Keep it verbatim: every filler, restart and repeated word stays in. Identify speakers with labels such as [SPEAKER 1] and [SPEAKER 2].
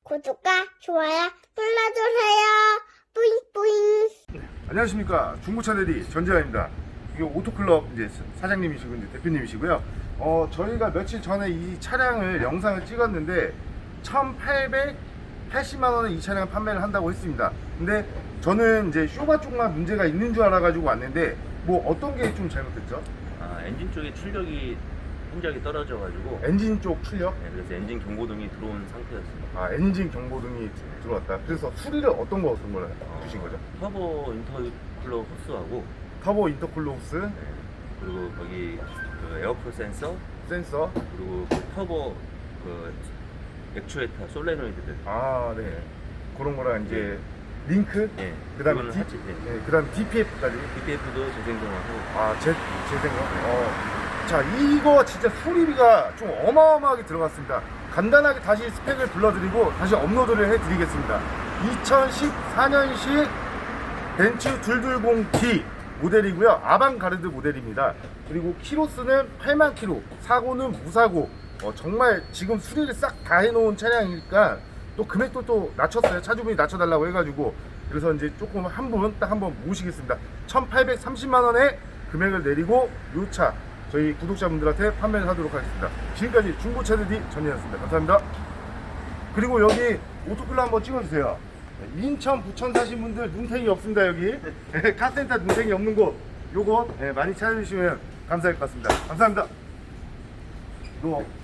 [SPEAKER 1] 구독과 좋아요 눌러주세요. 뿌잉뿌잉.
[SPEAKER 2] 안녕하십니까. 중고차 대리 전재환입니다. 이 오토클럽 이제 사장님이시고 이제 대표님이시고요. 어 저희가 며칠 전에 이 차량을 영상을 찍었는데 천팔백팔십만 원에 이 차량을 판매를 한다고 했습니다. 근데 저는 이제 쇼바 쪽만 문제가 있는 줄 알아가지고 왔는데 뭐 어떤 게 좀 잘못됐죠?
[SPEAKER 3] 아, 엔진 쪽에 출력이 흔적이 떨어져가지고
[SPEAKER 2] 엔진 쪽 출력?
[SPEAKER 3] 네, 그래서 엔진 경고등이 들어온 상태였습니다.
[SPEAKER 2] 아 엔진 경보등이 들어왔다. 그래서 수리를 어떤 거 어떤 걸
[SPEAKER 3] 어,
[SPEAKER 2] 주신 거죠?
[SPEAKER 3] 터보 인터쿨러 호스하고
[SPEAKER 2] 터보 인터쿨러 호스,
[SPEAKER 3] 네, 그리고 거기 그 에어프로 센서,
[SPEAKER 2] 센서.
[SPEAKER 3] 그리고 그 터보 그 액추에이터 솔레노이드들.
[SPEAKER 2] 아 네. 그런 거랑 이제 링크.
[SPEAKER 3] 예,
[SPEAKER 2] 그다음에
[SPEAKER 3] 그거는
[SPEAKER 2] 디,
[SPEAKER 3] 하지. 예.
[SPEAKER 2] 네, 그다음 디피에프까지.
[SPEAKER 3] 디피에프도 재생성하고.
[SPEAKER 2] 아, 제, 제 생각. 어. 자, 이거 진짜 수리비가 좀 어마어마하게 들어갔습니다. 간단하게 다시 스펙을 불러드리고 다시 업로드를 해드리겠습니다. 이천십사 년식 벤츠 둘백이십 디 모델이고요. 아방가르드 모델입니다. 그리고 키로수는 팔만 킬로, 사고는 무사고. 어, 정말 지금 수리를 싹 다 해놓은 차량이니까 또 금액도 또 낮췄어요. 차주분이 낮춰달라고 해가지고. 그래서 이제 조금 한 분 딱 한 번 모시겠습니다. 천팔백삼십만 원에 금액을 내리고 요 차 저희 구독자분들한테 판매를 하도록 하겠습니다. 지금까지 중고차 대리 전이었습니다. 감사합니다. 그리고 여기 오토클럽 한번 찍어주세요. 인천, 부천 사신 분들 눈탱이 없습니다. 여기 카센터 눈탱이 없는 곳 요거 많이 찾아주시면 감사할 것 같습니다. 감사합니다. 너